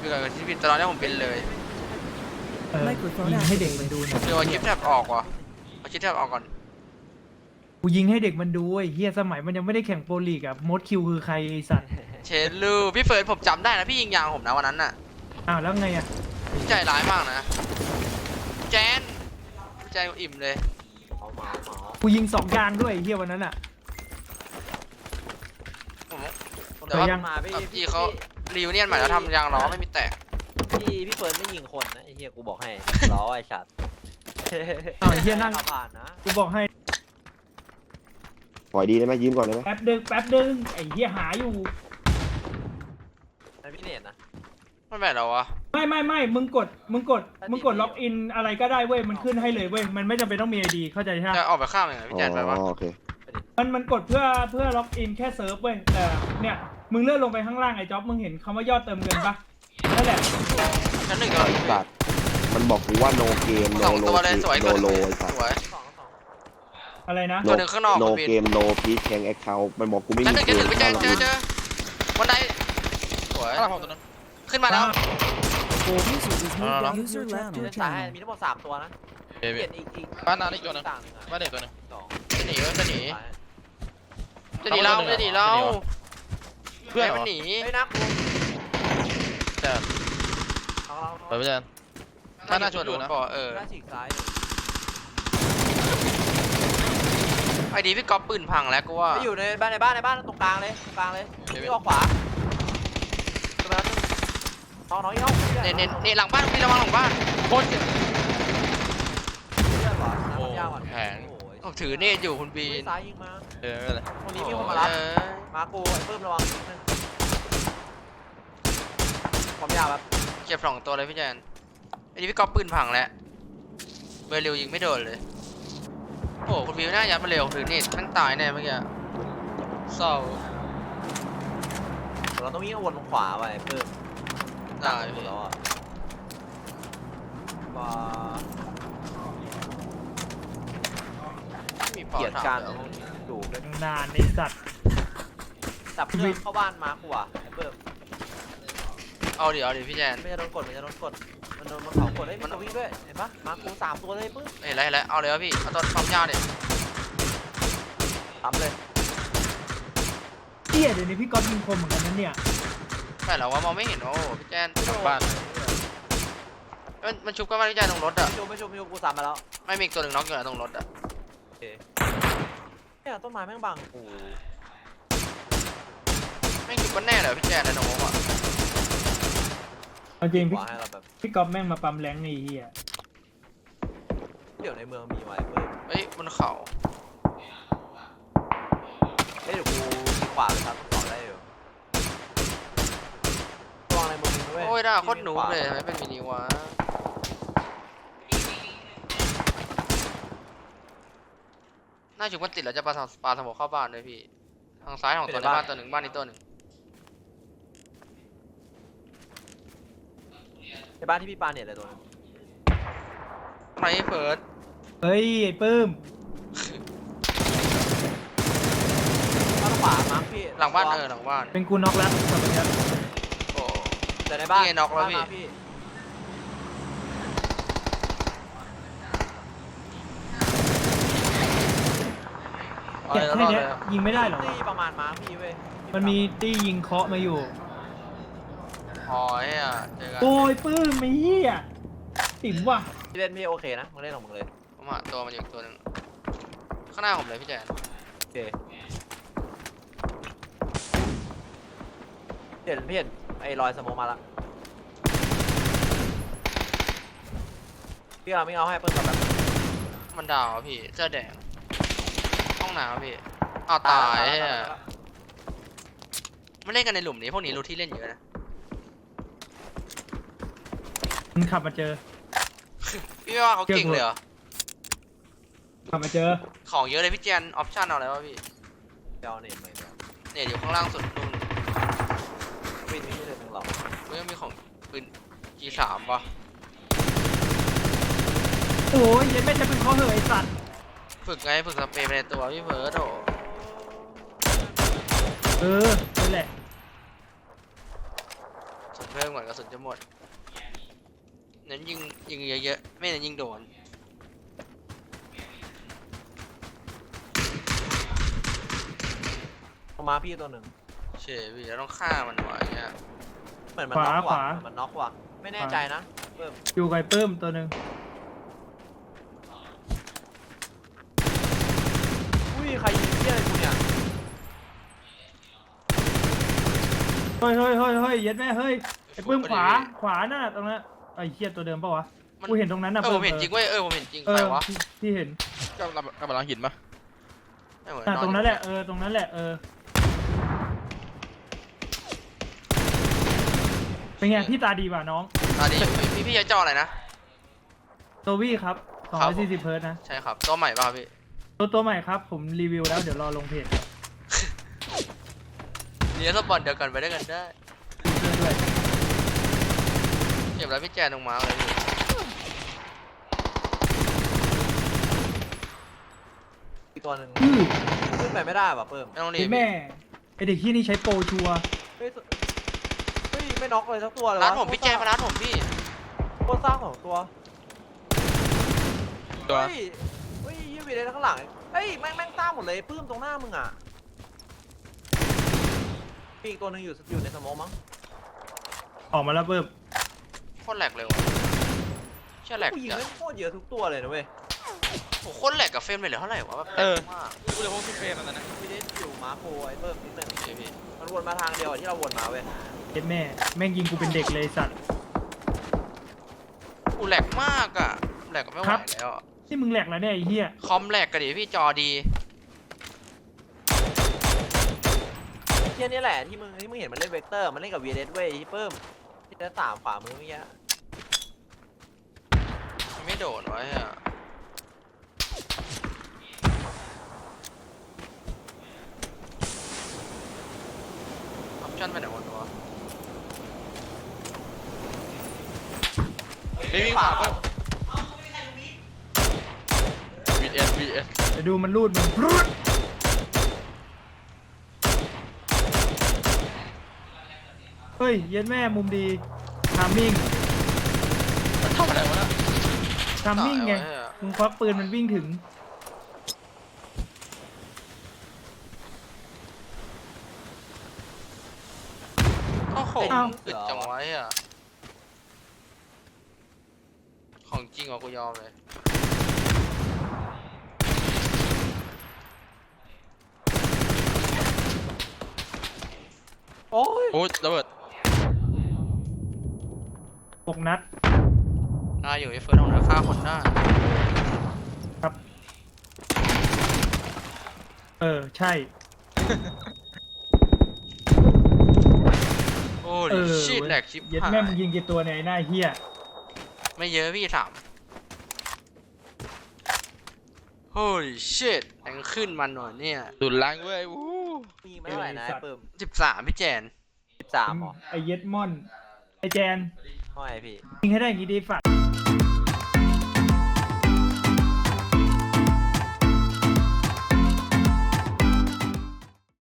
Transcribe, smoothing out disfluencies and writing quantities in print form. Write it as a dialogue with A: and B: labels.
A: คืออะไรที่ผิดตอนนี้ผมเป็นเลย
B: ยิงให้เด็กมันดูหน่อย
A: เดี๋ยวเอาคลิปแทบออกว่ะเอาคลิปแทบออกก่อน
B: กูยิงให้เด็กมันดูไอ้เฮียสมัยมันยังไม่ได้แข่งโปรลีกอะมดคิวคือใครไอ้สัตว์
A: เชนลูพี่เฟิร์สผมจำได้นะพี่ยิงยางผมนะวันนั้นน่ะ
B: อ้าวแล้วไงอะ
A: พี่ใจร้ายมากนะแจนพี่ใจอิ่มเลย
B: กูยิง2 ยางด้วยไอ้เฮียวันนั้นอะ
A: ผมแต่ว่า
B: ยัง
C: มาพี่
A: พี่เขารีวิเนียนใหม่แล้วทำยางล้อไม่มีแตก
C: พี่เฟิร์นไม่ยิงคนนะไอ้เหี้ยกูบอกให้ล้อไอ้ชัด
B: อ้าวไอ้เฮียนั่ง
C: ผ่านนะ
B: กูบอกให้
D: ปล่อยดีได้ไหมยืมก่อนได้ไหม
B: แป๊บดึงไอ้เฮียหาอยู่
C: ไอ้พี่เน็ตนะ
A: ไม่แม่นเราวะ
B: ไม่มึงกดล็อกอินอะไรก็ได้เว้ยมันขึ้นให้เลยเว้ยมันไม่จำเป็นต้องมีไอดีเข้าใจใช่ไหม
A: จะออกไปข้ามยังไงพี่แจนไปวะ
D: อ๋อโอเค
B: มันกดเพื่อล็อกอินแค่เซิร์ฟเว้ยแต่เนี่ยมึงเลื่อนลงไปข้างล่างไอ้จ๊อบมึงเห็นคำว่ายอดเติมเงินปะนั่นแหละ
A: ชั้นหนึ่งก่อน
D: สัตว์มันบอกกูว่าโนเกมโน
A: สอง
D: โล
A: ตัวเลยสวย
D: โน
A: ตัวห
D: โล
A: นึ่ง
D: ไอ้สัต
A: ส
D: ว์
A: วย
C: สอง
B: อะไรนะ
A: ตัวหนึ่งข้างนอก
D: โน
A: คุณบิน
D: เกมโนพีชแข่งแอคเคาท์มันบอกกูไม่
A: ชั้น
D: มี
A: หนึ่ง
D: เก
A: จะ
D: ม
A: ถึงพี่แจนเจอวันใดสวยขึ้นมาแล้ว
E: User left
C: มี
E: your
C: ซ้าย
E: channel.
C: มีทั้งหมด3ตัวนะ
A: เบ
C: เป
A: บี้
C: ลี่ยนอีก
F: บ้านนาอีกตัวหนึง
C: ต่างหนึ่งอะ
F: บ้านเด็กตัวหนึง
C: สอง
A: จะหนีจะหนี
C: ซ้าย
A: จะหนีเราจะหนีเรา
F: เพื่อนเหร
A: มั
F: อน
A: หนี
C: เฮ้ยนักกู
F: แต่
C: เอาเรา
F: เปิดไปเจนบ้านหน้าชวนดูนะ
A: เออ
C: หน้าฉีกซ้าย
A: ไอดีพี่ก๊อฟปืนพังแล้วกูว่า
C: ไม่อยู่ในบ้านตรงกลางเลยพี่ออกขวาตัวนั้นน้องอีก
A: เนี่ยหลังบ้านพี่ระวังหลังบ้าน
F: โคตรเจ็บ
C: เลือดหวานน้ำยาวอ่ะ
F: แผง
A: ผมถือเนตอยู่คุณบีน
C: ซ้ายยิงมา
F: เออไม่เป็นไร
C: ตรงนี้มีคนมารับ
A: เออ
C: มากูไอ้ปื้มระวังความยาวแบบ
A: เก็บ2 ตัวเลยพี่แจนไอดีพี่ก๊อฟปืนพังแล้วเบอร์เร็วยิงไม่โดนเลยโอ้คุณบีน่ายัดมาเร็วถือเนตทั้งตายแน่เมื่อกี้เศร้า
C: เราต้องวิ่งวนลงขวาไปเพิ่ม
A: ได้
C: หมด
A: พี่
C: แล้วอ่ะมา
A: มีพอ
C: เกียรติ
A: ถาม
C: การ
A: เดี๋ยว
C: ดูเลย
B: นานไอ้สัตว์
C: จับเพื่อนเข้าบ้านมากูอ่ะไอ้เพิ่ม
A: เอาดิพี่แจน
C: ไม่จะโดนกดมันโดนเขากดได้มันจะวิ่งด้วยเห็นปะมากู3 ตัวเลยปึ๊บ
A: เห็นแล้วเอาเลยวะพี่เอาตัวความยาวดิ
C: ทำเลย
B: เฮียเดี๋ยวนี้พี่ก๊อฟยิงคมเหมือนกันนั้นเนี่ย
A: แต่เราว่ามองไม่เห็นโอ้พี่แจน
F: บ้าน
A: มันชุบกันมาพี่แจนตรงรถอะ
C: ไม่ชุบกู3มาแล้ว
A: ไม่มีอีกตัวหนึ่งน็อกอยู่นะตรงรถอะ
C: เนี่ยต้นไม้แม่งบังกู
A: ไม่ชุบกันแน่เลยพี่แจนในตรงรถอะ
B: เอาจริง
C: ข
B: พี่
C: วาให้เราแบบ
B: พี่ก๊อฟแม่งมาปั๊มแรงไอ้เฮีย
C: เดี๋ยวในเมืองมีไว้เพิ่ม
A: เฮ้ยบนเขา
C: เดี๋ยวกูขี่ขวาไปครับต่อได้อยู่ระวังในเมืองด้วย
A: โอ้ยด่าโคตรหนูเลยทำไมเป็นมินิวะน่าชุบกันติดแล้วจะปาสมองเข้าบ้านเลยพี่ทางซ้ายของตัวในบ้านตัวหนึ่งบ้านนี้ตัวหนึ่ง
C: ในบ้านที่พี่ปาเนี่ยเลยตัวนึง
A: ไม่เฟิร์ส
B: เฮ้ยไอ้ปื้ม
C: บ้านขวามาร์คพี่
A: หลังบ้านหลังบ้าน
B: เป็นกูน็อกแล้วสวัสดีครับ
A: โอ้
C: แต่ในบ้าน
A: นี่ไงน็อกแล้วพี่
C: บ้านมาพี่
A: เอา
B: แกะ
A: เลย
B: แค่
A: รอด
B: เนี้
A: เลย ย
B: ยิงไม่ได้หรอ
C: นี่ประมาณมาร์คพี่เว้ย
B: มันมีตี้ยิงเคาะมาอยู่
A: อ๋อเฮ้ยเจอกัน
B: โอ้ยปื้มไอ้เหี้ยติ๋มว่ะ
C: พี่เล่นพี่โอเคนะมึงเล่นของมึงเลย
A: ผมหาตัวมันอยู่ตัวหนึ่งข้างหน้าผมเลยพี่แจน
C: โอเคพี่เห็นไอ้รอยสโมกมาละพี่เอาไม่เอาให้เพิ่มกับแบบ
A: มันดาวอะพี่เสื้อแดงห้องน้ำพี่เอาตายเฮ้ยไม่เล่นกันในหลุมนี้พวกนี้รู้ที่เล่นเยอะนะ
B: มันขับมาเจอ
A: พี่ว่าเขาเก่งเลยเหรอ
B: ขับมาเจอ
A: ของเยอะเลยพี่แจนออปชั่นเอาอะไรวะพี่
C: เดี๋ยวเนี่ยไม่เดี๋ยว
A: เนี่ยอยู่ข้างล่างสุดตรง
C: วินไม่ได้ถึงหรอก
A: กูยังมีของปืน G3 ป่ะ
B: โอ้ยยังไม่จะเป็นเคาะเหยไอ้สัตว์
A: ฝึกไงฝึกสเปรย์ไปในตัวพี่เฟิร์สโอ้
B: เออนั่นแหละ
A: สเพิ่มก่อนกระสุนจะหมดเน้นยิงเยอะๆไม่เน้นยิงโดน
C: ลงมาพี่ตัวหนึ่ง
A: เฉยพี่เราต้องฆ่ามันวะอย่างเงี้ย
C: เหมือนมันน็อกว่ะเหมือนมันน็อกว่ะไม่แน่ใจนะเพิ่ม
B: อยู่ไกลเพิ่มตัวหนึ่ง
C: อุ้ยใครยิงเหี้ยอะไรกูเนี่ย
B: เฮ้ยเย็ดแม่เฮ้ยไอ้ปื้มขวาน่ะตรงนั้นไอ้เหี้ยตัวเดิมปะวะ
A: มัน
B: กูเห็นตรงนั้นน่ะ
A: ผมเห็นจริงเว้ยผมเห็นจริงใครวะ
B: ที่เห็น
F: ก็กำลังหินปะ
A: ไม่เหมือน
B: ตรงนั้นแหละตรงนั้นแหละเป็นไงพี่ตาดีป่ะน้อง
A: ตอนนี้พี่จะจ่ออะไรนะ
B: โตวี่ครับ
A: ครับผม
B: 240 เฮิร์ตซ์นะ
A: ใช่ครับตัวใหม่ป่ะครับพี่
B: ตัวใหม่ครับผมรีวิวแล้วเดี๋ยวรอลงเพจ
A: เนี่ยสปอนเดียวกันไปด้วยกันได้
B: เรื่อย
A: เก็บแล้วพี่แจนลงมาเลยพี่
C: อีกตัวหนึ่ง
B: ๆอื้อ
C: ขึ้นไปไม่ได้ป่ะเพิ่ม
A: ไม่ต้องรี
B: ไอ้
A: บ
B: แม่ไอเด็กที่นี่ใช้โปรชัวร์
C: เฮ้ยไม่น็อกเลยสักตัวเลยวะ
A: ร้านผมพี่แจนมาร้านผมพี่
C: โคตรสร้างของตัว
F: ตัว
C: เฮ้ยยืมไปเลยข้างหลังเฮ้ยแม่งสร้างหมดเลยปื้มตรงหน้ามึงอ่ะมีอีกตัวหนึ่งอยู่ในสโมองมั้ง
B: ออกมาแล้วเพิ่ม
A: โคตรแหลกเลยวะเชื่อแหลก
C: กูยิง
A: จัด
C: ไม่โคตรเยอะทุกตัวเลยนะเว้ย
A: โอ้โหโคตรแหลกกับเฟรมเลยเหลือเท่าไหร่วะแบบแหลกมาก
F: กูเลยพกซิเฟรมอันนั้นนะ
C: พี่ได้อยู่มาโคไอ้เพิ่มนิดนึง
A: โอเคพี่
C: มันวนมาทางเดียวที่เราวนมาเว้ย
B: เย็ดแม่แม่งยิงกูเป็นเด็กเลยสัตว์
A: กูแหลกมากอ่ะแหลกก็ไม่ไหวแล้วอะ
B: ที่มึงแหลกแล้วเนี่ยไอ้เหี้ย
A: คอมแหลกกันดิพี่จอดี
C: เที่ยนี่แหละที่มึงเห็นมันเล่นเวกเตอร์มันเล่นกับ VS เว้ยที่เพิ่มที่จะตามขวามือเมื่อกี้
A: ไม่โดนไว้อ่ะออปชั่นไปไหนหมดวะ
F: ไม่วิ่งผ่านปะVS
B: เดี๋ยวดูมันรูดมึงรูดเฮ้ยเย็ดแม่มุมดีทามมิ่ง
F: มันทำอะไรวะนะ
B: ทามมิ่งไง
A: ตายว้อะ
B: มึงควักปืนมันวิ่งถึง
A: โอ้โห
B: อ้าว
A: อึดจังไว้อ่ะ ของจริงเหรอกูยอมเลย
C: โอ้ย
F: โอ้ยระเบิด
B: 6 นัด
A: อยู่ไอ้เฟิร์สของเธอฆ่าคนได้
B: ครับ ใช่
A: โอ้ยชิดแหลกชิบ
B: เย็ด
A: หาย
B: แม่มึงยิงกี่ตัวเนี่ยไอ้หน้าเฮีย
A: ไม่เยอะพี่3โอ้ยชิดแรงขึ้นมันหน่อยเนี่ย
F: ดุนล้างเว้ยวู้
C: มีไม่เท่าไหร่นะไอ้เพิ่ม
A: 13พี่แจน
C: 13หรอ
B: ไอเย็ดม่อน ไอแจน
C: เท่าไหร่พี่
B: ยิงให้ได้อย่างงี้ดีฝัด